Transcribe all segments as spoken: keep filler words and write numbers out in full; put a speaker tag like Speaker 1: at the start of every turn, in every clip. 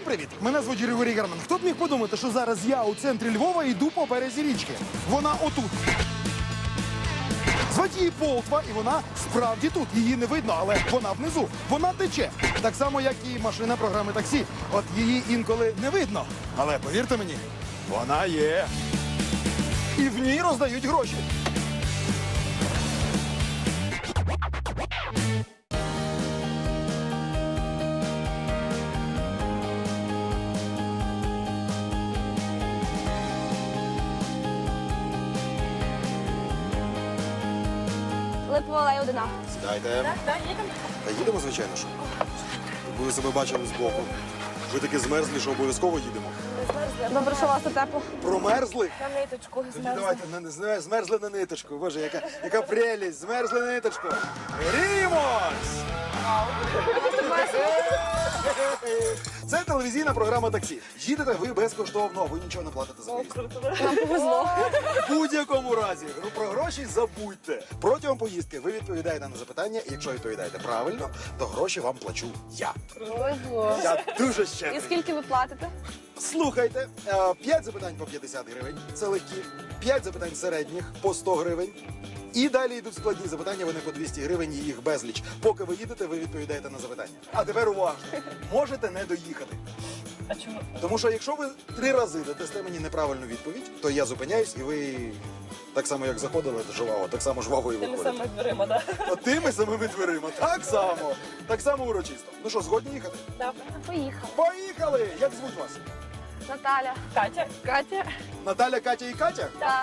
Speaker 1: привіт! Мене звуть Григорій Герман. Хто б міг подумати, що зараз я у центрі Львова йду по березі річки? Вона отут. Звать її Полтва, і вона справді тут. Її не видно, але вона внизу. Вона тече. Так само, як і машина програми таксі. От її інколи не видно. Але повірте мені, вона є. І в ній роздають гроші.
Speaker 2: Липова алея одна.
Speaker 1: Сідайте.
Speaker 2: Так, так, їдемо.
Speaker 1: Та їдемо, звичайно ж. Щоб ви себе бачили збоку. Ви таки змерзлі, що обов'язково їдемо.
Speaker 2: Добре, що у вас тут тепло.
Speaker 1: Промерзли?
Speaker 2: На ниточку
Speaker 1: Тоді давайте, на- зме- змерзли на ниточку. Боже, яка, яка прелість, змерзли на ниточку. Гріємось! Це телевізійна програма «Таксі». Їдете ви безкоштовно, ви нічого не платите за виїзд.
Speaker 2: Нам повезло.
Speaker 1: В будь-якому разі, ну, про гроші забудьте. Протягом поїздки ви відповідаєте на запитання, і якщо відповідаєте правильно, то гроші вам плачу я.
Speaker 2: Повезло.
Speaker 1: Я дуже
Speaker 2: І
Speaker 1: щедрий.
Speaker 2: скільки ви платите?
Speaker 1: Слухайте, е, п'ять запитань по п'ятдесят гривень, це легкі, п'ять запитань середніх по сто гривень. І далі йдуть складні запитання, вони по двісті гривень, і їх безліч. Поки ви їдете, ви відповідаєте на запитання. А тепер уважно, можете не доїхати.
Speaker 2: А чому?
Speaker 1: Тому що якщо ви три рази дасте мені неправильну відповідь, то я зупиняюсь, і ви так само, як заходили жваво, так само жваво і
Speaker 2: Тими
Speaker 1: виходите.
Speaker 2: самими дверима, так?
Speaker 1: От тими самими дверима, так само, так само урочисто. Ну що, згодні їхати?
Speaker 2: Так. Поїхали.
Speaker 1: Поїхали! Як звуть вас?
Speaker 2: Наталя. Катя. Катя.
Speaker 1: Наталя, Катя і Катя?
Speaker 2: Так.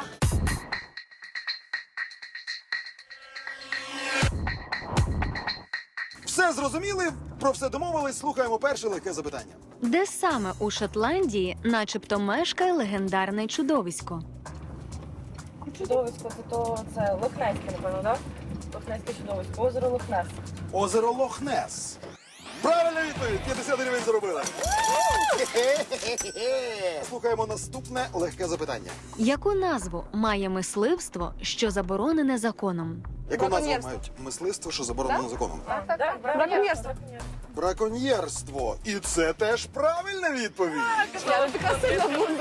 Speaker 1: Все зрозуміли, про все домовились, слухаємо перше легке запитання.
Speaker 3: Де саме у Шотландії начебто мешкає легендарне чудовисько?
Speaker 4: Чудовисько, це то це Лохнеське, напевно, так? Лохнеське чудовисько, озеро Лохнес.
Speaker 1: Озеро Лохнес. Правильна відповідь, п'ятдесят гривень заробили. Слухаємо наступне легке запитання.
Speaker 3: Яку назву має мисливство, що заборонене законом?
Speaker 1: Яку назву
Speaker 2: Браконьєрство.
Speaker 1: мають мисливство, що заборонено законом?
Speaker 2: Так, так, так.
Speaker 4: Да,
Speaker 2: Браконьєрство.
Speaker 1: Браконьєрство. І це теж правильна відповідь.
Speaker 2: Я не така сильна буду.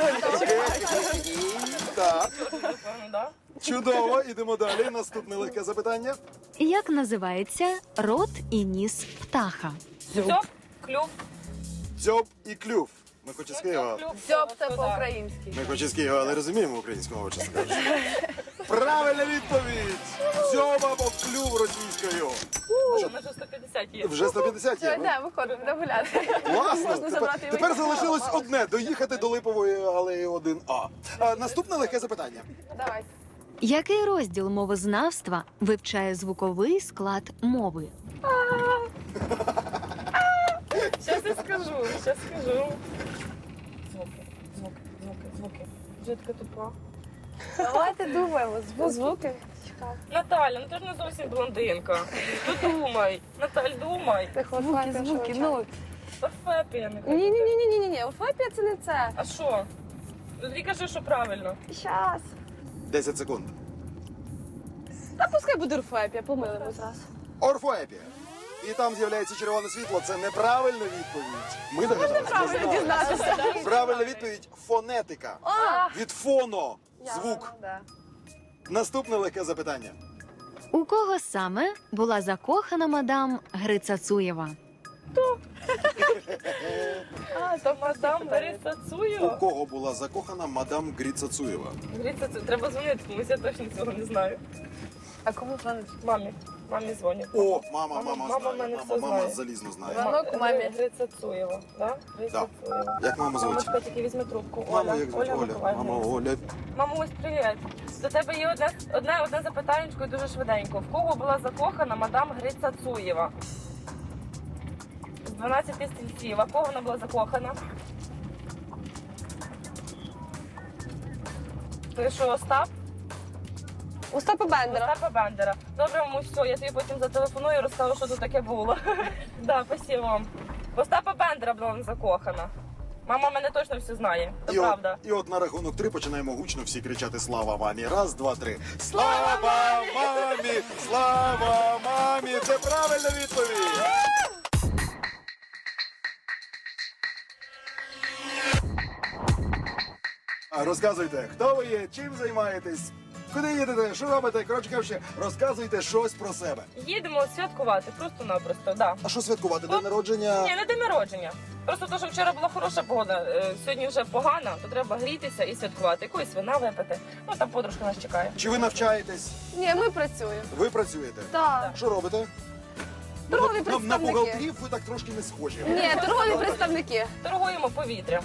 Speaker 1: Так,
Speaker 4: Напевно, да?
Speaker 1: чудово. Ідемо далі. Наступне легке запитання.
Speaker 3: Як називається рот і ніс птаха?
Speaker 4: Все, клюв.
Speaker 1: Дзьоб і клюв. Ми хоч із Києва.
Speaker 2: Дзьоб це по-українськи.
Speaker 1: Ми хоч із Києва, але розуміємо українську мову, чесно кажучи. Правильна відповідь! Дзьоб або клюв російською.
Speaker 4: У нас вже сто п'ятдесят є.
Speaker 1: Вже сто п'ятдесят є.
Speaker 2: Все,
Speaker 1: ну?
Speaker 2: йдемо, виходимо, будемо гуляти.
Speaker 1: Класно!
Speaker 2: Можна забрати
Speaker 1: Тепер,
Speaker 2: і
Speaker 1: тепер
Speaker 2: вийти.
Speaker 1: залишилось одне – доїхати до Липової алеї один А. А, наступне легке запитання.
Speaker 2: Давай.
Speaker 3: Який розділ мовознавства вивчає звуковий склад мови?
Speaker 4: Щас я скажу, щас скажу. Звуки, звуки, звуки, звуки. Вже така тупа.
Speaker 2: Давайте думаємо. Звуки.
Speaker 4: Наталя, ну ти ж не зовсім блондинка. Ну думай. Наталь, думай.
Speaker 2: Звуки, звуки. Ну,
Speaker 4: Орфепія не
Speaker 2: ні, ні, ні, ні, ні, ні. Орфепія це не це.
Speaker 4: А що? Тоді кажи, що правильно.
Speaker 2: Щас.
Speaker 1: десять секунд.
Speaker 2: Та пускай буде орфепія, помилимо зразу.
Speaker 1: Орфоепія. І там з'являється червоне світло. Це неправильна відповідь. Ми догадалися.
Speaker 2: Правильно дізнатися.
Speaker 1: Правильна відповідь – фонетика.
Speaker 2: А,
Speaker 1: Від фоно – звук.
Speaker 2: да.
Speaker 1: Наступне легке запитання.
Speaker 3: У кого саме була закохана мадам Грицацуєва?
Speaker 4: А, то мадам Бориса
Speaker 1: У
Speaker 4: Цуєва.
Speaker 1: кого була закохана мадам Грицацуєва?
Speaker 4: Говориться, це треба дзвонити, комусь я точно цього не знаю.
Speaker 2: А кому дзвонить?
Speaker 4: Мамі. Мамі дзвонять.
Speaker 1: О, мама,
Speaker 4: Мама-
Speaker 1: мама
Speaker 4: мама
Speaker 1: знає.
Speaker 4: мене
Speaker 1: Мама,
Speaker 4: все
Speaker 1: мама
Speaker 4: знає.
Speaker 1: залізно знає.
Speaker 2: Дзвонок у мамі.
Speaker 4: Гриця Цуєва, да? Гриця Цуєва.
Speaker 1: Як маму звуть?
Speaker 4: Мамочка, тільки візьми трубку.
Speaker 1: Мама,
Speaker 4: Оля,
Speaker 1: як звуть? Оля.
Speaker 4: Миколаївна.
Speaker 1: Мама Оля.
Speaker 4: Мамусь, привіт. До тебе є одне, одне, одне запитання і дуже швиденько. В кого була закохана мадам Гриця Цуєва? З дванадцяти стільців. А в кого вона була закохана? Ти що, Остап?
Speaker 2: Остапа Бендера.
Speaker 4: Остапа Бендера. Добре, мамусь, все, я тобі потім зателефоную і розкажу, що тут таке було. Да, спасибо вам. В Остапа Бендера була вона закохана. Мама мене точно все знає, це
Speaker 1: І от,
Speaker 4: правда.
Speaker 1: і от на рахунок три починаємо гучно всі кричати «Слава мамі!». Раз, два, три. Слава мамі! Слава мамі! Це правильна відповідь! Розказуйте, хто ви є, чим займаєтесь, куди їдете, що робите. Коротше кажучи, розказуйте щось про себе.
Speaker 4: Їдемо святкувати, просто-напросто, да.
Speaker 1: А що святкувати? День
Speaker 4: От,
Speaker 1: народження?
Speaker 4: Ні, не день народження. Просто то, що вчора була хороша погода, е, сьогодні вже погана, то треба грітися і святкувати. Якоїсь вина випити. Ну там подружка нас чекає.
Speaker 1: Чи ви навчаєтесь?
Speaker 2: Ні, ми працюємо.
Speaker 1: Ви працюєте?
Speaker 2: Так.
Speaker 1: Що робите?
Speaker 2: Торгові
Speaker 1: на, на, на
Speaker 2: представники.
Speaker 1: бухгалтерів ви так трошки не схожі.
Speaker 2: Ні, торгові представники.
Speaker 4: Торгуємо повітрям.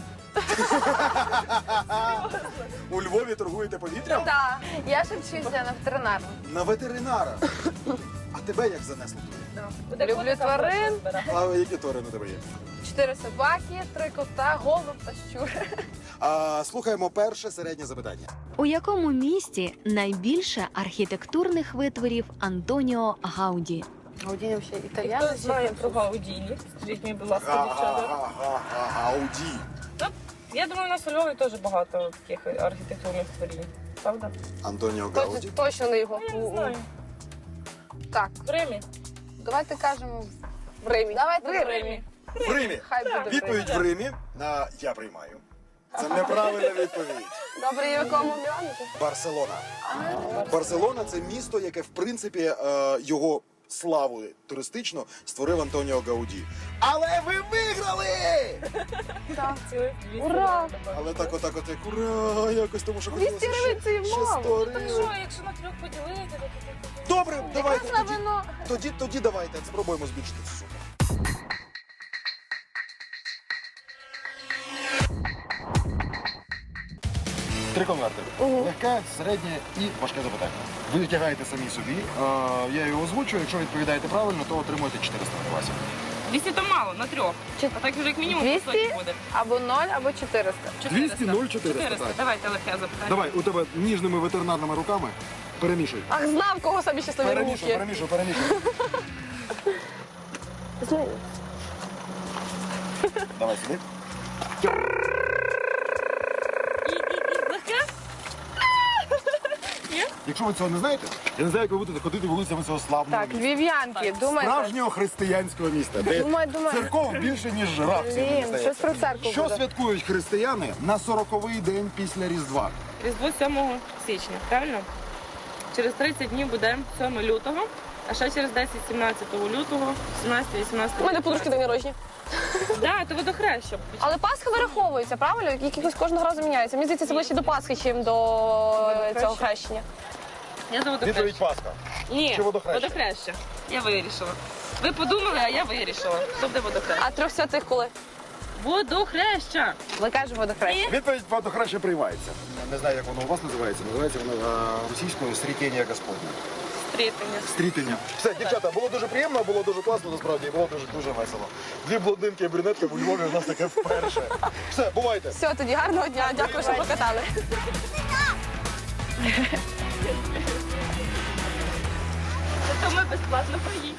Speaker 1: У Львові торгуєте повітрям?
Speaker 2: Так. Я ще вчуся на ветеринарну.
Speaker 1: На ветеринара. А тебе як занесло туди?
Speaker 4: Буде
Speaker 2: Люблю
Speaker 4: котика
Speaker 2: тварин.
Speaker 4: гроші збирати.
Speaker 1: А які тварини у тебе є?
Speaker 2: Чотири собаки, три кота, голуб та щур.
Speaker 1: А, слухаємо перше середнє запитання.
Speaker 3: У якому місті найбільше архітектурних витворів Антоніо Гауді?
Speaker 2: Гудіні взагалі
Speaker 4: І хто
Speaker 2: італіяни.
Speaker 4: знає про Гаудіні? Скажіть мені, будь ласка, дівчата.
Speaker 1: Гауді.
Speaker 4: Ну, я думаю, у нас у Львові теж багато таких архітектурних творів. Правда?
Speaker 1: Антоніо
Speaker 2: Точно,
Speaker 1: Гауді.
Speaker 2: точно не його.
Speaker 4: Ну, я не знаю.
Speaker 2: Так,
Speaker 4: В Римі.
Speaker 2: давайте кажемо в Римі. Давайте в Римі.
Speaker 1: В Римі.
Speaker 2: Хай буде в Римі.
Speaker 1: Відповідь в Римі. На я приймаю. Це неправильна відповідь.
Speaker 2: Добре, і в якому мільйоні?
Speaker 1: Барселона. Барселона це місто, яке в принципі е, його славу туристично створив Антоніо Гауді. Але ви виграли!
Speaker 2: Так.
Speaker 4: Цілих двісті
Speaker 2: Ура!
Speaker 4: років.
Speaker 1: Але так, отак, отак, ура! Якось тому, що хотілося
Speaker 2: двісті гривень це і
Speaker 1: ще
Speaker 2: мало.
Speaker 1: сто
Speaker 4: Так
Speaker 1: гривень.
Speaker 4: що, якщо на трьох поділити, то то-
Speaker 1: Добре, давайте
Speaker 2: Якраз на
Speaker 1: тоді,
Speaker 2: вино.
Speaker 1: тоді, тоді давайте спробуємо збільшити цю суму. Три конверти. Легке, середнє і важке запитання. Ви витягаєте самі собі. Е, я його озвучую. Якщо відповідаєте правильно, то отримуєте чотириста гривень.
Speaker 4: двісті то мало, на трьох.
Speaker 2: Чи-
Speaker 4: А так вже як мінімум
Speaker 2: двісті?
Speaker 4: по сотні буде.
Speaker 2: Або ноль, або чотириста.
Speaker 1: двісті, нуль, чотириста,
Speaker 4: чотириста.
Speaker 1: так.
Speaker 4: Давайте легке запитання.
Speaker 1: Давай, у тебе ніжними ветеринарними руками перемішуй.
Speaker 2: Ах, знав, кого самі щасливі
Speaker 1: Перемішуй,
Speaker 2: руки.
Speaker 1: перемішуй, перемішуй. Давай сюди.
Speaker 4: І, і, і легке?
Speaker 1: Якщо ви цього не знаєте, я не знаю, як ви будете ходити вулицями цього славного
Speaker 2: Так,
Speaker 1: міста.
Speaker 2: львів'янки, думайте.
Speaker 1: Справжнього християнського міста, де
Speaker 2: Думаю, думаю.
Speaker 1: церков більше, ніж жираф.
Speaker 2: Блін, щось про церкву
Speaker 1: Що
Speaker 2: буде.
Speaker 1: святкують християни на сороковий день після Різдва?
Speaker 4: Різдво сьомого січня, правильно? Через тридцять днів буде сьомого лютого, а ще через десять-сімнадцятого лютого, сімнадцятого-вісімнадцятого.
Speaker 2: У мене подружки день народження.
Speaker 4: Так, то водохреща.
Speaker 2: Але Пасха вираховується, правильно? Якихось кожного разу міняється. Мені здається, це ближче до Пасхи, чим до цього хрещення.
Speaker 4: Я за водохреща.
Speaker 1: Пасха.
Speaker 4: Ні,
Speaker 1: Чи водохреща?
Speaker 4: водохреща. Я вирішила. Ви подумали, а я вирішила. Що буде водохреща?
Speaker 2: А трьох святих коли?
Speaker 4: Водохреща!
Speaker 2: Ми кажемо водохрещення.
Speaker 1: Відповідь водохреща приймається. Не знаю, як воно у вас називається. Називається воно е, російською «Стрітєння Господня».
Speaker 4: Стрітення.
Speaker 1: Стрітення. Все, дівчата, було дуже приємно, було дуже класно, насправді, і було дуже дуже весело. Дві блондинки і брюнетки у Львові у нас таке вперше. Все, бувайте.
Speaker 2: Все, тоді гарного дня. Дякую, що покатали.
Speaker 4: Зато ми безплатно поїхали.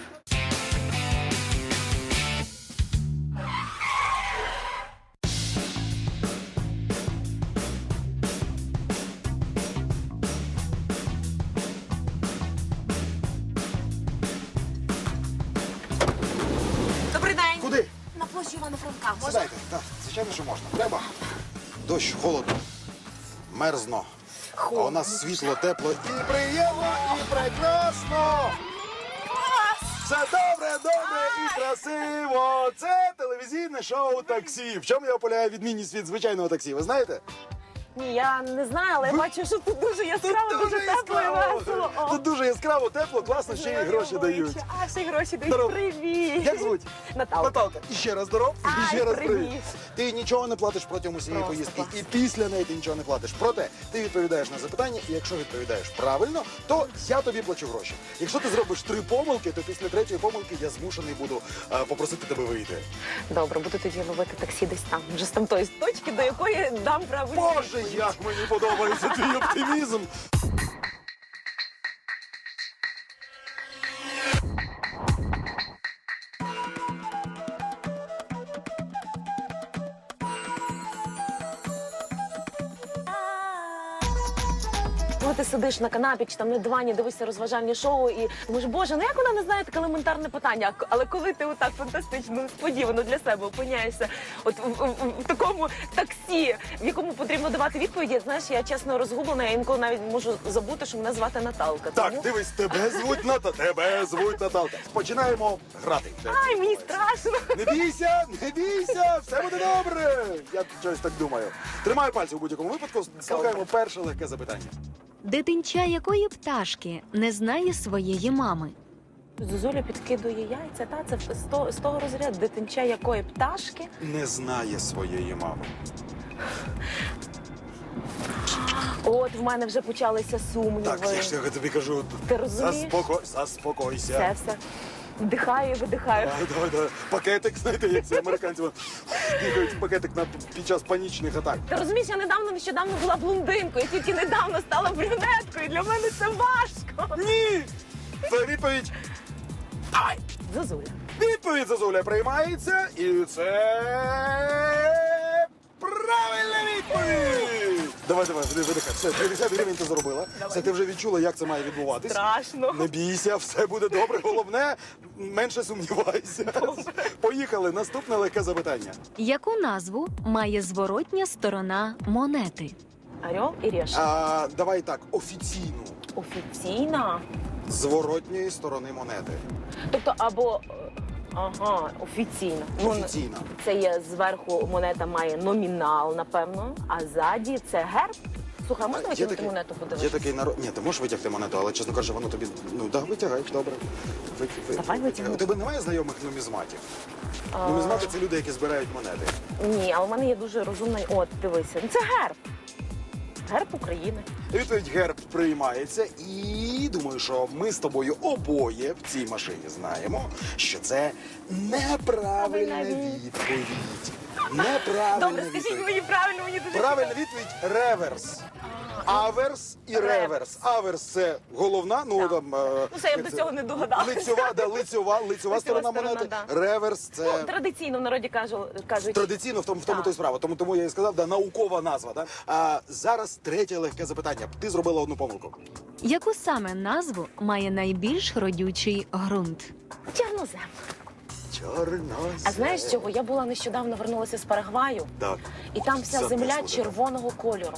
Speaker 5: Добрий день.
Speaker 1: Куди?
Speaker 5: На площі Івана Франка. Можна?
Speaker 1: Сідайте. Так, звичайно, що можна. Треба. Дощ, холодно, мерзно. А у нас світло, тепло і приємно, і прекрасно. Все добре, добре і красиво. Це телевізійне шоу «Таксі». В чому його полягає відмінність від звичайного таксі? Ви знаєте?
Speaker 5: Ні, я не знаю, але я бачу, що тут дуже яскраво, дуже тепло і весело. О,
Speaker 1: Тут дуже яскраво, тепло, класно, ще й гроші дають.
Speaker 5: А, ще й гроші дають.
Speaker 1: Здоров.
Speaker 5: Привіт.
Speaker 1: Як звуть?
Speaker 5: Наталка.
Speaker 1: Наталка. І ще раз здоров, і
Speaker 5: Ай,
Speaker 1: ще раз
Speaker 5: привіт.
Speaker 1: привіт. Ти нічого не платиш протягом усієї
Speaker 5: Просто
Speaker 1: поїздки,
Speaker 5: клас.
Speaker 1: і після неї ти нічого не платиш. Проте ти відповідаєш на запитання, і якщо відповідаєш правильно, то я тобі плачу гроші. Якщо ти зробиш три помилки, то після третьої помилки я змушений буду е, попросити тебе вийти.
Speaker 5: Добре, буду тоді ловити таксі десь там, вже з тамтої точки, до якої дам правильну
Speaker 1: Боже,
Speaker 5: відповідь.
Speaker 1: як мені подобається твій оптимізм.
Speaker 5: коли ти сидиш на канапі чи там на дивані, дивишся розважальні шоу і думаєш, боже, ну як вона не знає таке елементарне питання. А- Але коли ти отак фантастично, несподівано для себе опиняєшся от в, в- в такому таксі, в якому потрібно давати відповіді, знаєш, я чесно розгублена, я інколи навіть можу забути, що мене звати Наталка.
Speaker 1: Так,
Speaker 5: Тому-
Speaker 1: дивись, тебе звуть Ната, тебе звуть Наталка. Починаємо грати.
Speaker 5: Ай, мені страшно.
Speaker 1: Не бійся, не бійся, все буде добре. Я щось так думаю. Тримаю пальці у будь-якому випадку. Слухаємо перше легке запитання.
Speaker 3: Дитинча якої пташки не знає своєї мами?
Speaker 5: Зозуля підкидує яйця, та це з того, з того розряду дитинча якої пташки.
Speaker 1: Не знає своєї мами.
Speaker 5: От в мене вже почалися сумніви.
Speaker 1: Так, я ж тобі кажу.
Speaker 5: Ти розумієш?
Speaker 1: Заспоко... Заспокойся.
Speaker 5: Все, все. Вдихаю, видихаю.
Speaker 1: Давай, давай, давай. Пакетик, знаєте, як ці американці от, бігають пакетик на, під час панічних атак.
Speaker 5: Ти розумієш, я недавно нещодавно була блондинкою, тільки недавно стала брюнеткою. Для мене це важко.
Speaker 1: Ні! Це відповідь. Давай!
Speaker 5: Зозуля.
Speaker 1: Відповідь Зозуля приймається, і це правильна відповідь! Давай, давай, видихай. Все, п'ятдесят гривень ти заробила. Все, ти вже відчула, як це має відбуватись.
Speaker 5: Страшно.
Speaker 1: Не бійся, все буде добре. Головне, менше сумнівайся. Поїхали. Наступне легке запитання.
Speaker 3: Яку назву має зворотня сторона монети?
Speaker 5: Орел і Решка.
Speaker 1: А, давай так, офіційну.
Speaker 5: Офіційна.
Speaker 1: Зворотньої сторони монети.
Speaker 5: Тобто або. е, Ага, офіційна. Ну,
Speaker 1: Офіційна.
Speaker 5: Це є зверху монета має номінал, напевно, а ззаді це герб. Слухай, а можна витягнути монету
Speaker 1: Є
Speaker 5: подивитися?
Speaker 1: такий народ. Ні, ти можеш витягти монету, але чесно кажучи, воно тобі. Ну да, витягай, добре. Ви, ви,
Speaker 5: Давай витягну.
Speaker 1: У тебе немає знайомих нумізматів?
Speaker 5: А.
Speaker 1: Нумізмати це люди, які збирають монети.
Speaker 5: Ні, а у мене є дуже розумний. От, дивися. Ну, це герб. Герб України.
Speaker 1: Відповідь герб приймається, і думаю, що ми з тобою обоє в цій машині знаємо, що це неправильна
Speaker 5: Правильна
Speaker 1: відповідь. Неправильна
Speaker 5: Добре, скажіть
Speaker 1: відповідь.
Speaker 5: мені правильно, мені дуже
Speaker 1: Правильна відповідь реверс. Аверс і реверс. Аверс це головна, ну там. е,
Speaker 5: Ну, це я б
Speaker 1: як
Speaker 5: до цього не догадалася.
Speaker 1: Лицьова, да, лицьова, лицьова сторона
Speaker 5: сторона,
Speaker 1: монети.
Speaker 5: да.
Speaker 1: Реверс це.
Speaker 5: Ну, традиційно в народі кажу, кажуть.
Speaker 1: Традиційно в тому, в тому
Speaker 5: Так.
Speaker 1: то й справа. Тому, тому я і сказав, да, наукова назва. Да? А зараз третє легке запитання. Ти зробила одну помилку.
Speaker 3: Яку саме назву має найбільш родючий ґрунт?
Speaker 5: Чорнозем.
Speaker 1: Чорнозем.
Speaker 5: А знаєш чого? Я була нещодавно вернулася з Парагваю,
Speaker 1: Так.
Speaker 5: і там вся земля
Speaker 1: Занесло, да.
Speaker 5: червоного кольору.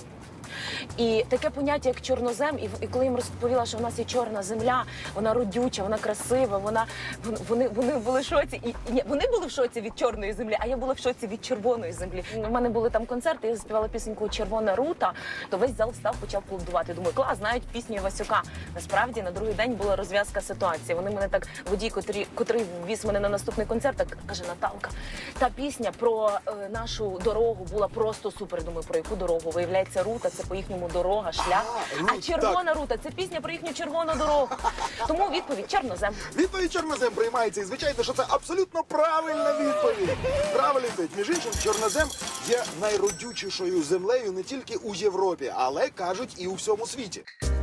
Speaker 5: І таке поняття, як чорнозем, і, і коли їм розповіла, що в нас є чорна земля, вона родюча, вона красива, вона вони, вони були в шоці. І, і ні, вони були в шоці від чорної землі, а я була в шоці від червоної землі. У мене були там концерти, я заспівала пісеньку Червона рута, то весь зал став, почав аплодувати. Думаю, клас, знають пісню Івасюка. Насправді на другий день була розв'язка ситуації. Вони мене так, водій, котрий, котрий віз мене на наступний концерт, так каже: Наталка, та пісня про е, нашу дорогу була просто супер. Думаю, про яку дорогу? Виявляється, рута це по їхньому дорога, шлях.
Speaker 1: А,
Speaker 5: А,
Speaker 1: рут,
Speaker 5: червона рута це пісня про їхню червону дорогу. Тому відповідь чорнозем.
Speaker 1: Відповідь чорнозем приймається. І звичайно, що це абсолютно правильна відповідь. Правильна відповідь. Між іншим, чорнозем є найродючішою землею не тільки у Європі, але кажуть і у всьому світі.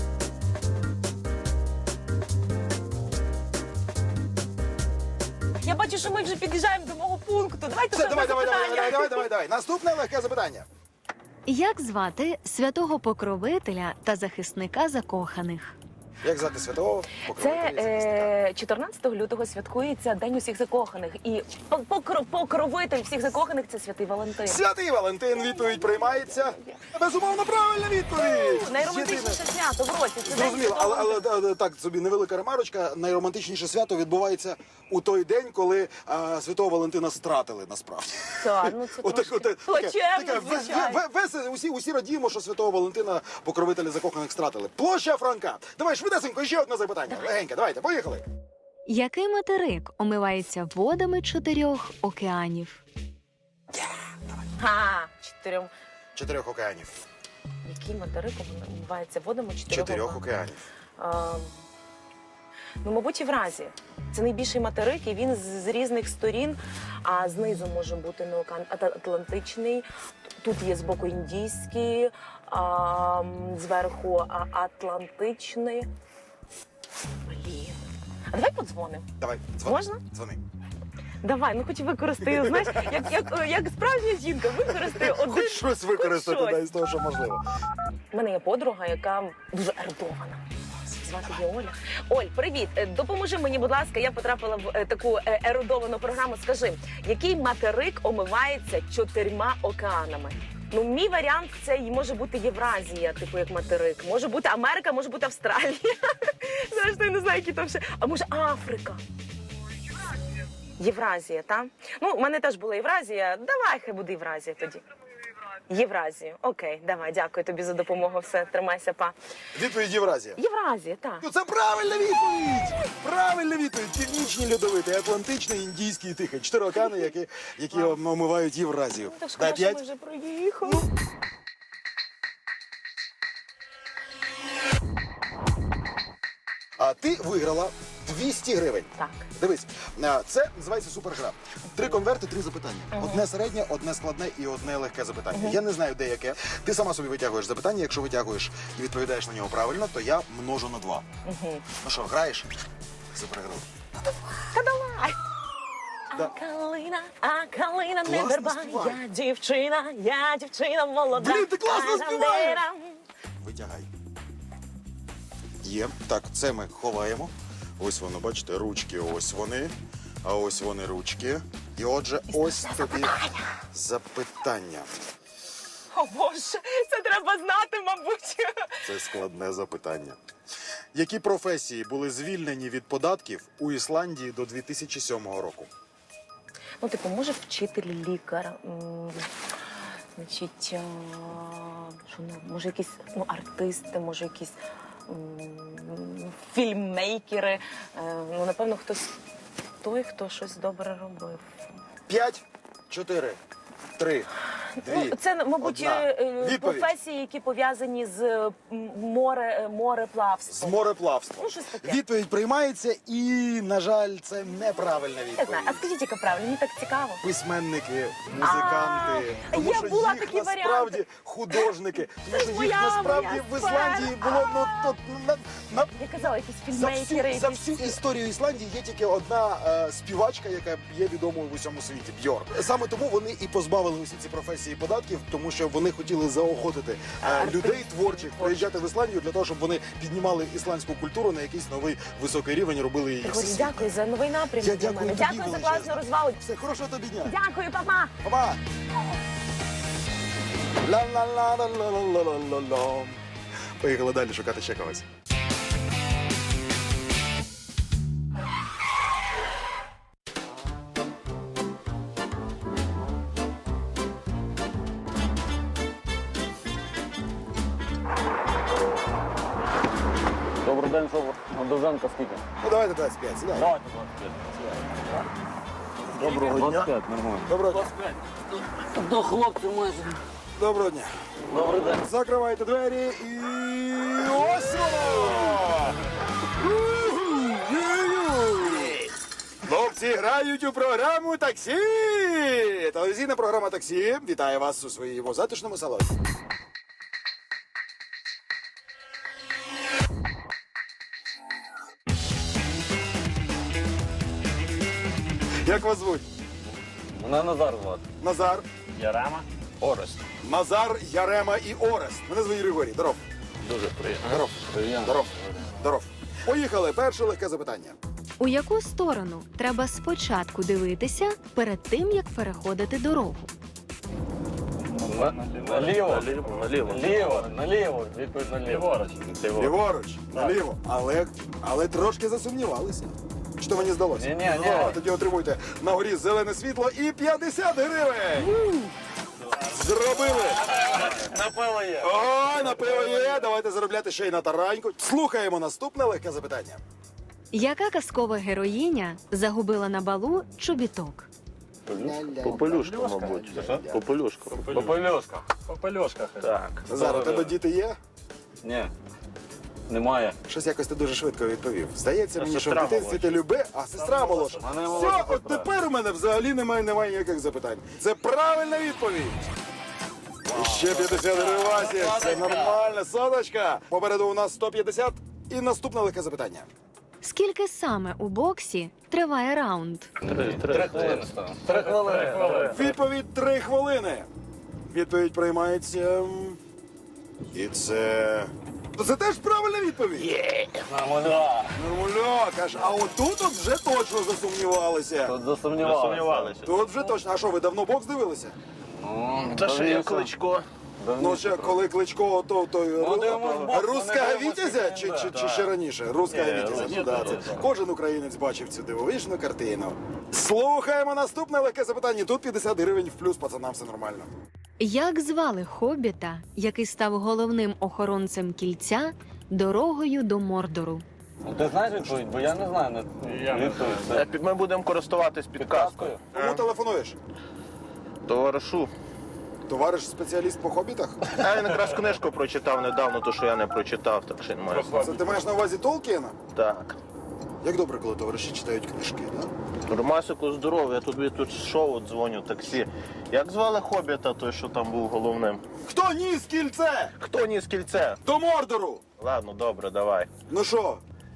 Speaker 5: Я бачу, що ми вже під'їжджаємо до мого пункту. Давайте
Speaker 1: Все,
Speaker 5: ще
Speaker 1: давай, давай, давай,
Speaker 5: запитання.
Speaker 1: давай, давай, давай, давай. Наступне легке запитання.
Speaker 3: Як звати святого покровителя та захисника закоханих?
Speaker 1: Як звати святого?
Speaker 5: Це
Speaker 1: покровителя?
Speaker 5: е, чотирнадцятого лютого святкується День усіх закоханих. І по- покро- покровитель всіх закоханих це святий Валентин.
Speaker 1: Святий Валентин, відповідь приймається. Безумовно, правильна відповідь.
Speaker 5: Найромантичніше свято в році. Це День
Speaker 1: Зрозуміло,
Speaker 5: Святого
Speaker 1: але, але да, да, так собі невелика ремарочка. Найромантичніше свято відбувається у той день, коли а, святого Валентина стратили насправді.
Speaker 5: Так, ну це
Speaker 1: Отак,
Speaker 5: трошки
Speaker 1: отак, таке-
Speaker 5: плачевно,
Speaker 1: таке, ве-
Speaker 5: звичайно.
Speaker 1: ве- весело, усі, усі радіємо, що святого Валентина покровителі закоханих стратили. Площа Франка. Давай швидесенько, ще одне запитання. Легеньке, давайте, поїхали.
Speaker 3: Який материк омивається водами чотирьох океанів?
Speaker 5: Ха, чотирьом.
Speaker 1: Чотирьох океанів.
Speaker 5: Який материк вмивається водами чотирьох,
Speaker 1: Чотирьох
Speaker 5: океанів?
Speaker 1: океанів.
Speaker 5: А, ну, мабуть, Євразія. Це найбільший материк, і він з, з різних сторін, а знизу може бути не океан а Атлантичний, тут є збоку індійський, а, м, зверху а, Атлантичний. Блін. А давай подзвонимо.
Speaker 1: Давай, дзвони.
Speaker 5: Можна?
Speaker 1: Дзвони.
Speaker 5: Давай, ну хоч використаю, знаєш, як, як, як справжня жінка, використаю один.
Speaker 1: Хоч щось використати
Speaker 5: щось.
Speaker 1: да, із того, що можливо.
Speaker 5: У мене є подруга, яка дуже ерудована. Звати її Оля. Оль, привіт. Е, Допоможи мені, будь ласка, я потрапила в е, таку е, ерудовану програму. Скажи, який материк омивається чотирма океанами? Ну, мій варіант це й може бути Євразія, типу як материк. Може бути Америка, може бути Австралія. Зрештою, я не знаю, які там ще. А може Африка? Євразія, так? Ну, в мене теж була Євразія. Давай, хай буде Євразія тоді. Євразію. Окей, давай, дякую тобі за допомогу. Все, тримайся, па.
Speaker 1: Відповідь Євразія.
Speaker 5: Євразія, так.
Speaker 1: Ну це правильна відповідь! Правильна відповідь! Північний льодовитий, Атлантичний, Індійський і Тихий. Чотири океани, які, які омивають Євразію.
Speaker 5: Так
Speaker 1: Дай
Speaker 5: шкода, що
Speaker 1: п'ять.
Speaker 5: ми вже проїхали.
Speaker 1: А ти виграла двісті гривень.
Speaker 5: Так.
Speaker 1: Дивись, а, це називається супергра. Три конверти, три запитання. Одне середнє, одне складне і одне легке запитання. Я не знаю, де яке. Ти сама собі витягуєш запитання. Якщо витягуєш і відповідаєш на нього правильно, то я множу на два. Ну що, граєш? Супергру.
Speaker 5: Та давай!
Speaker 1: Да.
Speaker 5: А калина, а калина не
Speaker 1: Класно
Speaker 5: верба.
Speaker 1: співає.
Speaker 5: Я дівчина, я дівчина молода.
Speaker 1: Блін, ти класно співаєш!
Speaker 5: Ара-дера.
Speaker 1: Витягай. Є. Так, це ми ховаємо. Ось воно, бачите, ручки, ось вони. А ось вони ручки. І отже, ось тобі запитання.
Speaker 5: О Боже, це треба знати, мабуть.
Speaker 1: Це складне запитання. Які професії були звільнені від податків у Ісландії до дві тисячі сьомого року?
Speaker 5: Ну, типу, може вчитель, лікар, м, значить, а, що, ну, може якісь ну, артисти, може якісь м, фільммейкери. Е, ну, напевно, хтось той, хто щось добре робив.
Speaker 1: П'ять, чотири, три, дві,
Speaker 5: Ну, це, мабуть,
Speaker 1: одна.
Speaker 5: е, е,
Speaker 1: Відповідь.
Speaker 5: професії, які пов'язані з е, м, море, е,
Speaker 1: З
Speaker 5: мореплавством.
Speaker 1: мореплавством.
Speaker 5: Ну, щось таке.
Speaker 1: Відповідь приймається і, на жаль, це неправильна
Speaker 5: Не знаю.
Speaker 1: відповідь.
Speaker 5: А скажіть, яка правильно? Мені так цікаво.
Speaker 1: Письменники, музиканти.
Speaker 5: А,
Speaker 1: тому
Speaker 5: є,
Speaker 1: що
Speaker 5: була
Speaker 1: їх
Speaker 5: такі
Speaker 1: насправді
Speaker 5: варіанти.
Speaker 1: художники. Тому що їх
Speaker 5: моя
Speaker 1: насправді
Speaker 5: моя
Speaker 1: в Ісландії було ну, то, на, на,
Speaker 5: Я казала, якісь
Speaker 1: за,
Speaker 5: фільммейкери,
Speaker 1: всю, за
Speaker 5: якісь...
Speaker 1: всю історію Ісландії є тільки одна е, співачка, яка є відомою в усьому світі – Бьорк. Саме тому вони і позбавили усі ці професії податків, тому що вони хотіли заохотити е,
Speaker 5: Артистів,
Speaker 1: людей творчих приїжджати в Ісландію для того, щоб вони піднімали ісландську культуру на якийсь новий високий рівень, робили її
Speaker 5: Григорій,
Speaker 1: всесвітньою.
Speaker 5: дякую за новий напрямок
Speaker 1: Я
Speaker 5: для
Speaker 1: дякую
Speaker 5: мене.
Speaker 1: тобі
Speaker 5: Дякую за
Speaker 1: величезно.
Speaker 5: класну розвагу.
Speaker 1: Все, хорошого тобі дня.
Speaker 5: Дякую, папа.
Speaker 1: Папа! Ла-ла-ла-ла-ла-ла-ла-ла. Поїхали далі шукати ще когось.
Speaker 6: Добрий день, що на Довженка скільки?
Speaker 1: Ну давайте двадцять п'ять, сідай.
Speaker 6: Давайте двадцять п'ять.
Speaker 1: Доброго дня.
Speaker 6: двадцять п'ять, нормально.
Speaker 1: Доброго дня.
Speaker 6: двадцять п'ять. До хлопців майже.
Speaker 1: Доброго дня.
Speaker 6: Добрий день.
Speaker 1: Закривайте двері і ось воно! Ю-ю-ю! Хлопці грають у програму «Таксі». Телевізійна програма «Таксі» вітає вас у своєму затишному салоні. Як вас звуть?
Speaker 6: Мене Назар звати.
Speaker 1: Назар.
Speaker 6: Ярема. Орест.
Speaker 1: Назар, Ярема і Орест. Мене звуть Григорій. Здоров.
Speaker 6: Дуже приємно.
Speaker 1: Здоров.
Speaker 6: Приємно.
Speaker 1: Здоров. Здоров. Поїхали. Перше легке запитання.
Speaker 3: У яку сторону треба спочатку дивитися перед тим, як переходити дорогу?
Speaker 6: Наліво. Наліво. Наліво. Наліво. Відповідь наліво. Ліворуч.
Speaker 1: Ліворуч, наліво. Але, але трошки засумнівалися. Що мені здалося?
Speaker 6: Ні, ні, ні.
Speaker 1: Ну, тоді отримуйте на горі зелене світло і п'ятдесят гривень. Зробили.
Speaker 6: На пиво є.
Speaker 1: Ой, на пиво є. Давайте заробляти ще й на тараньку. Слухаємо наступне легке запитання.
Speaker 3: Яка казкова героїня загубила на балу чобіток?
Speaker 7: Попелюшка, мабуть. Попелюшка.
Speaker 6: Попельошка. Попельошка.
Speaker 7: Так.
Speaker 1: Зараз у тебе діти є?
Speaker 6: Ні. Немає.
Speaker 1: Щось якось ти дуже швидко відповів. Здається мені, що в
Speaker 6: сестра
Speaker 1: дитинстві ти люби, а сестра молодша.
Speaker 6: Мене
Speaker 1: Все,
Speaker 6: молодша
Speaker 1: от
Speaker 6: сестра.
Speaker 1: тепер у мене взагалі немає, немає ніяких запитань. Це правильна відповідь. І ще п'ятдесят гривень, Васі. Це нормально, соточка. Попереду у нас сто п'ятдесят і наступне легке запитання.
Speaker 3: Скільки саме у боксі триває раунд?
Speaker 7: Три,
Speaker 6: Три хвилини стало. Три хвилини.
Speaker 1: Відповідь три хвилини. Відповідь приймається м, І це. Це теж правильна відповідь.
Speaker 6: Нормально.
Speaker 1: Нормуляк, аж а отут от вже точно засумнівалися.
Speaker 6: Тут засумнівалися.
Speaker 7: Засумнівалися.
Speaker 1: Тут вже точно. А що, ви давно бокс дивилися?
Speaker 6: Ну,
Speaker 7: Та ще є Кличко.
Speaker 1: Ну, ще коли Кличко, то той
Speaker 6: Ну, дивимось бокс,
Speaker 1: руська
Speaker 6: ми не дивимось
Speaker 1: Вітязя чи, чи, чи ще раніше? Руська
Speaker 7: Ні,
Speaker 1: Вітязя.
Speaker 7: ні,
Speaker 1: Ну, да,
Speaker 7: ні,
Speaker 1: це.
Speaker 7: ні.
Speaker 1: Кожен українець бачив цю дивовижну картину. Слухаємо наступне легке запитання. Тут п'ятдесят гривень в плюс, пацанам все нормально.
Speaker 3: Як звали хобіта, який став головним охоронцем кільця дорогою до Мордору?
Speaker 6: Ну, ти знаєш відповідь, бо я не знаю. Не... Відповідь. Це...
Speaker 7: Е, під- Ми будемо користуватись підказкою.
Speaker 1: Кому телефонуєш?
Speaker 7: Товаришу.
Speaker 1: Товариш спеціаліст по хобітах?
Speaker 7: А він якраз книжку прочитав недавно, то що я не прочитав, так що не маю.
Speaker 1: Це ти маєш на увазі Толкіна?
Speaker 7: Так.
Speaker 1: Як добре, коли товариші читають книжки, да?
Speaker 7: Ромасику здоров'я, я тобі тут шоу дзвоню, таксі. Як звали хобіта, той, що там був головним?
Speaker 1: Хто ніс кільце?
Speaker 7: Хто ніс кільце?
Speaker 1: До Мордору!
Speaker 7: Ладно, добре, давай.
Speaker 1: Ну що?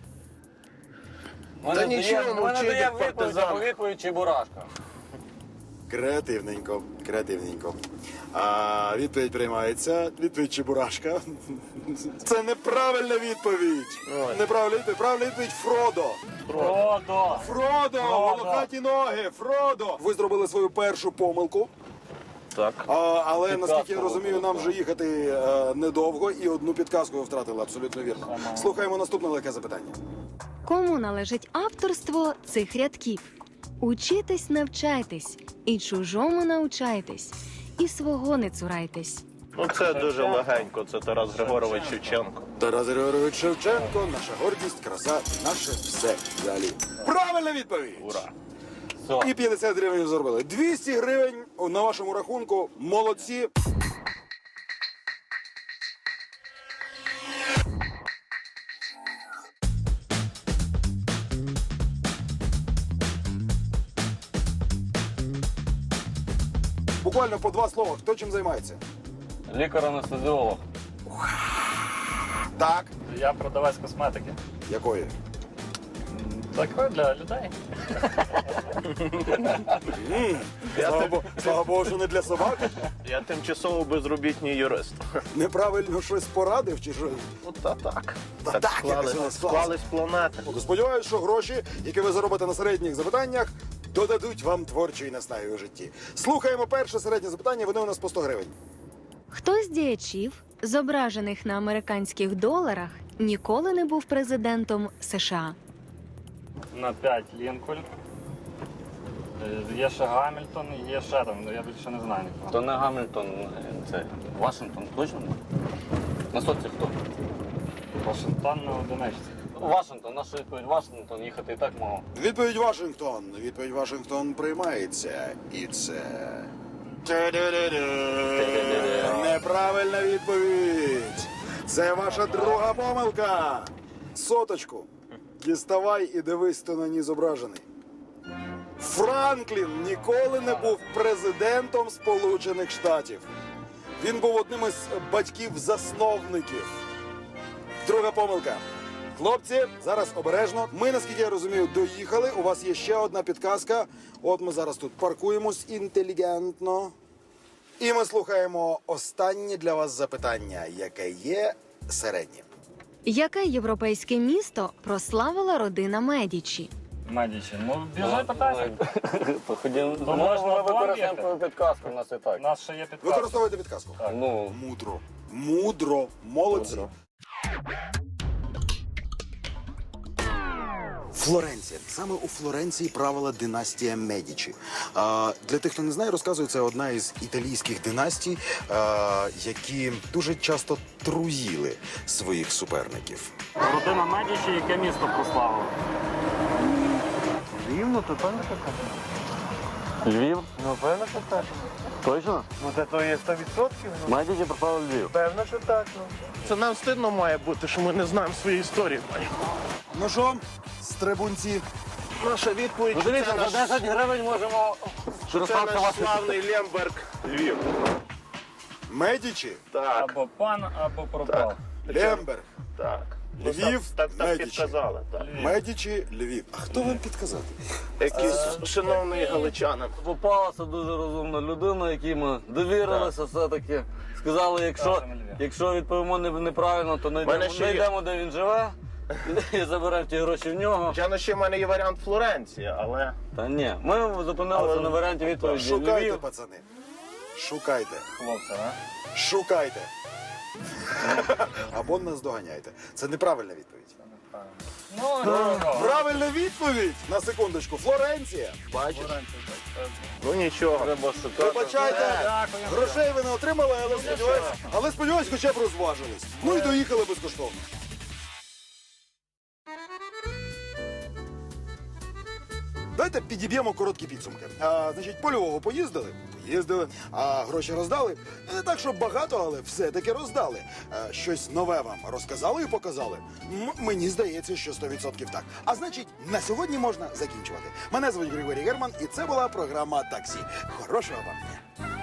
Speaker 7: Та нічого,
Speaker 6: мене
Speaker 7: мовчи,
Speaker 6: дає
Speaker 7: як
Speaker 6: відповідь,
Speaker 7: партизан.
Speaker 6: або відповідь чи бурашка.
Speaker 1: Креативненько, креативненько. А відповідь приймається. Відповідь Чебурашка. Це неправильна відповідь.
Speaker 7: Ой.
Speaker 1: Неправильна відповідь. Правильна відповідь Фродо.
Speaker 6: Фродо.
Speaker 1: Фродо! Волохаті ноги! Фродо! Ви зробили свою першу помилку.
Speaker 7: Так.
Speaker 1: А, але
Speaker 6: Підказку
Speaker 1: наскільки я розумію,
Speaker 6: вибрали,
Speaker 1: нам
Speaker 6: так.
Speaker 1: вже їхати е, недовго і одну підказку ви втратили абсолютно вірно. Слухаємо наступне легке запитання.
Speaker 3: Кому належить авторство цих рядків? Учитесь, навчайтесь, і чужому навчайтесь, і свого не цурайтесь.
Speaker 7: Ну це дуже легенько, це Тарас Григорович Шевченко.
Speaker 1: Тарас Григорович Шевченко, наша гордість, краса, наше все далі. Правильна відповідь!
Speaker 7: Ура!
Speaker 6: Все.
Speaker 1: І п'ятдесят гривень заробили. двісті гривень на вашому рахунку. Молодці. Буквально по два слова. Хто чим займається?
Speaker 6: Лікар-анестезіолог.
Speaker 1: Так.
Speaker 8: Я продавець косметики.
Speaker 1: Якої?
Speaker 8: Так, для людей.
Speaker 1: Слава, Богу, слава Богу, що не для собак.
Speaker 7: Я тимчасово безробітний юрист.
Speaker 1: Неправильно щось порадив чи що?
Speaker 7: Ну та так.
Speaker 1: Та
Speaker 7: Так
Speaker 1: так,
Speaker 7: склались,
Speaker 1: якось воно склалося.
Speaker 7: склались планети.
Speaker 1: Сподіваюсь, що гроші, які ви заробите на середніх запитаннях, додадуть вам творчої наснаги у житті. Слухаємо перше середнє запитання, вони у нас по сто гривень.
Speaker 3: Хто з діячів, зображених на американських доларах, ніколи не був президентом США?
Speaker 8: На п'ять Лінкольн. Е, Є ще Гамільтон, є ще там, ну, я більше не знаю нікого.
Speaker 6: То не Гамільтон, це Вашингтон, точно? На соці хто?
Speaker 8: Вашингтон на одиничці.
Speaker 6: Вашингтон, наша відповідь Вашингтон, їхати і так мого.
Speaker 1: Відповідь Вашингтон. Відповідь Вашингтон приймається. І це. Тю-ду-ду-ду. Неправильна відповідь. Це ваша друга помилка. Соточку. Діставай і дивись, хто на ній зображений. Франклін ніколи не був президентом Сполучених Штатів. Він був одним із батьків-засновників. Друга помилка. Хлопці, зараз обережно. Ми, наскільки я розумію, доїхали. У вас є ще одна підказка. От ми зараз тут паркуємось інтелігентно. І ми слухаємо останнє для вас запитання, яке є середнім.
Speaker 3: Яке європейське місто прославила родина Медічі?
Speaker 8: Медічі. Ну, біжи питайся.
Speaker 6: Походимо.
Speaker 8: Ну,
Speaker 6: Можна
Speaker 8: можна
Speaker 6: ми використаємо
Speaker 8: бігти.
Speaker 6: твою підказку, у нас і
Speaker 8: У
Speaker 6: так.
Speaker 8: нас ще є підказка.
Speaker 1: Використовуйте підказку.
Speaker 6: Ну,
Speaker 1: Мудро. Мудро. Молодці.
Speaker 6: Мудро.
Speaker 1: Флоренція. Саме у Флоренції правила династія Медічі. А, для тих, хто не знає, розказую, це одна із італійських династій, а, які дуже часто труїли своїх суперників.
Speaker 8: Родина Медічі, яке місто прославило?
Speaker 6: Львів, ну то певно що так. Львів? Ну, певно, що так. Точно?
Speaker 7: Ну це то є сто відсотків.
Speaker 6: Майдіді пропав Львів.
Speaker 7: Певно, що так. Це нам стидно має бути, що ми не знаємо свої історії.
Speaker 1: Ну що, стрибунці?
Speaker 7: Наша відповідь,
Speaker 6: Ну
Speaker 7: що
Speaker 6: дивіться,
Speaker 7: це
Speaker 6: за
Speaker 7: наш,
Speaker 6: десять гривень можемо
Speaker 7: це
Speaker 6: скористатися
Speaker 7: наш
Speaker 6: вашою.
Speaker 7: славний Лемберг Львів.
Speaker 1: Медічі?
Speaker 7: Так,
Speaker 8: Або пан, або пропав.
Speaker 1: Лемберг.
Speaker 7: так.
Speaker 1: Львів,
Speaker 7: Так, так
Speaker 1: Медічі.
Speaker 7: підказали. Так.
Speaker 1: Медічі, Львів. А хто вам підказав?
Speaker 7: Якийсь шановний галичанин.
Speaker 6: Попалася дуже розумна людина, якій ми довірилися все-таки. Сказали, якщо,
Speaker 8: Кажемо Львів.
Speaker 6: якщо відповімо не- неправильно, то
Speaker 7: Мене
Speaker 6: знайдемо,
Speaker 7: ще є-
Speaker 6: знайдемо, де він живе, і заберемо ті гроші в нього.
Speaker 7: Звичайно, ще в мене є варіант Флоренція, але
Speaker 6: Та ні, ми зупинилися
Speaker 7: Але-
Speaker 6: на варіанті відповіді
Speaker 1: Шукайте,
Speaker 6: Львів.
Speaker 1: пацани. Шукайте.
Speaker 8: Хлопці, а?
Speaker 1: Шукайте. Або нас доганяйте. Це неправильна відповідь.
Speaker 4: Ну,
Speaker 1: Правильна відповідь! На секундочку. Флоренція.
Speaker 7: бачиш. Ну нічого.
Speaker 6: Треба шукати.
Speaker 1: Вибачайте,
Speaker 8: Дякую.
Speaker 1: грошей ви не отримали, але сподіваюсь, але сподіваюсь, хоча б розважились. Ну і доїхали безкоштовно. Давайте підіб'ємо короткі підсумки. А, значить, по Львову поїздили? Поїздили. А гроші роздали? Не так, щоб багато, але все-таки роздали. А, щось нове вам розказали і показали? М- мені здається, що сто відсотків так. А значить, на сьогодні можна закінчувати. Мене звуть Григорій Герман, і це була програма «Таксі». Хорошого вам дня!